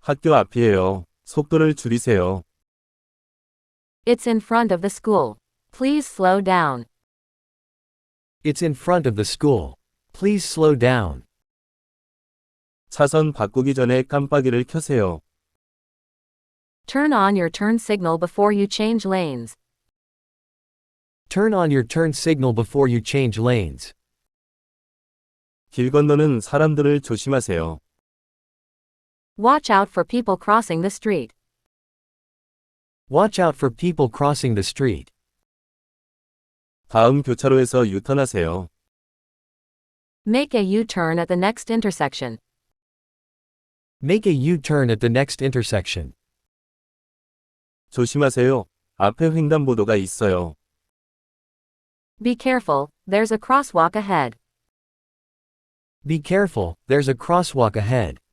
학교 앞이에요. 속도를 줄이세요. It's in front of the school. Please slow down. It's in front of the school. Please slow down. 차선 바꾸기 전에 깜빡이를 켜세요. Turn on your turn signal before you change lanes. Turn on your turn signal before you change lanes. 길 건너는 사람들을 조심하세요. Watch out for people crossing the street. Watch out for people crossing the street. 다음 교차로에서 유턴하세요. Make a U-turn at the next intersection. Make a U-turn at the next intersection. 조심하세요. 앞에 횡단보도가 있어요. Be careful, there's a crosswalk ahead. Be careful, there's a crosswalk ahead.